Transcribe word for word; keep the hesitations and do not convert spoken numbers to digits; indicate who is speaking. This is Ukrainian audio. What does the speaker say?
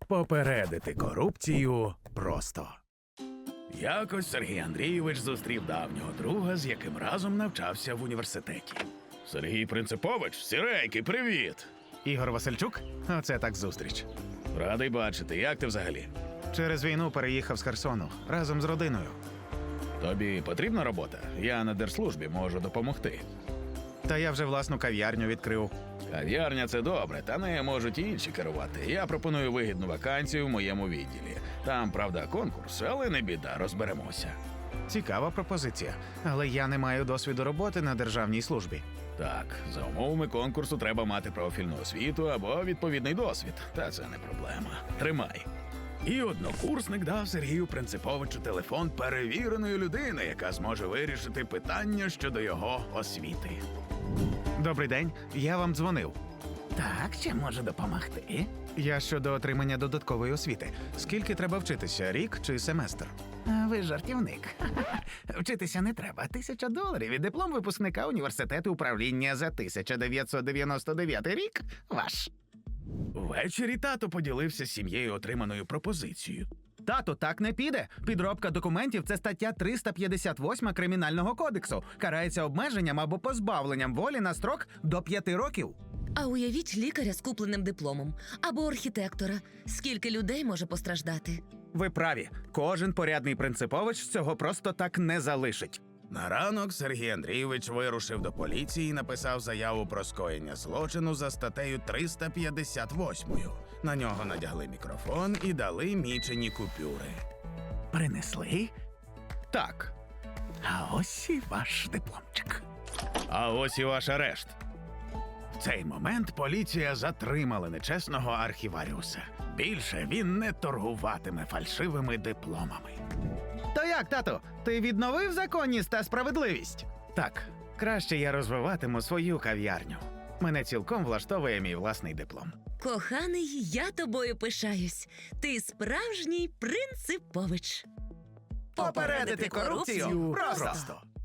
Speaker 1: Попередити корупцію просто. Якось Сергій Андрійович зустрів давнього друга, з яким разом навчався в університеті. Сергій Принципович, сіренький, привіт!
Speaker 2: Ігор Васильчук? Оце так зустріч.
Speaker 1: Радий бачити, як ти взагалі?
Speaker 2: Через війну переїхав з Херсону разом з родиною.
Speaker 1: Тобі потрібна робота? Я на держслужбі можу допомогти.
Speaker 2: Та я вже власну кав'ярню відкрив.
Speaker 1: Кав'ярня – це добре, та нею можуть і інші керувати. Я пропоную вигідну вакансію в моєму відділі. Там, правда, конкурс, але не біда, розберемося.
Speaker 2: Цікава пропозиція. Але я не маю досвіду роботи на державній службі.
Speaker 1: Так, за умовами конкурсу треба мати профільну освіту або відповідний досвід. Та це не проблема. Тримай. І однокурсник дав Сергію Принциповичу телефон перевіреної людини, яка зможе вирішити питання щодо його освіти.
Speaker 2: Добрий день, я вам дзвонив.
Speaker 3: Так, чим можу допомогти?
Speaker 2: Я щодо отримання додаткової освіти. Скільки треба вчитися, рік чи семестр?
Speaker 3: А ви жартівник. Вчитися не треба. Тисяча доларів і диплом випускника університету управління за тисяча дев'ятсот дев'яносто дев'ятий рік ваш.
Speaker 1: Ввечері тато поділився з сім'єю отриманою пропозицією.
Speaker 3: Тато, так не піде. Підробка документів – це стаття триста п'ятдесят восьма Кримінального кодексу. Карається обмеженням або позбавленням волі на строк до п'яти років.
Speaker 4: А уявіть лікаря з купленим дипломом або архітектора. Скільки людей може постраждати?
Speaker 3: Ви праві. Кожен порядний принципович цього просто так не залишить.
Speaker 1: На ранок Сергій Андрійович вирушив до поліції і написав заяву про скоєння злочину за статтею триста п'ятдесят восьмою. На нього надягли мікрофон і дали мічені купюри.
Speaker 3: Принесли?
Speaker 1: Так,
Speaker 3: А ось і ваш дипломчик.
Speaker 1: а ось і ваш арешт. В цей момент поліція затримала нечесного архіваріуса. Більше він не торгуватиме фальшивими дипломами.
Speaker 3: То як, тато, ти відновив законність та справедливість?
Speaker 2: Так, краще я розвиватиму свою кав'ярню. Мене цілком влаштовує мій власний диплом.
Speaker 4: Коханий, я тобою пишаюсь. Ти справжній принципович.
Speaker 3: Попередити корупцію просто.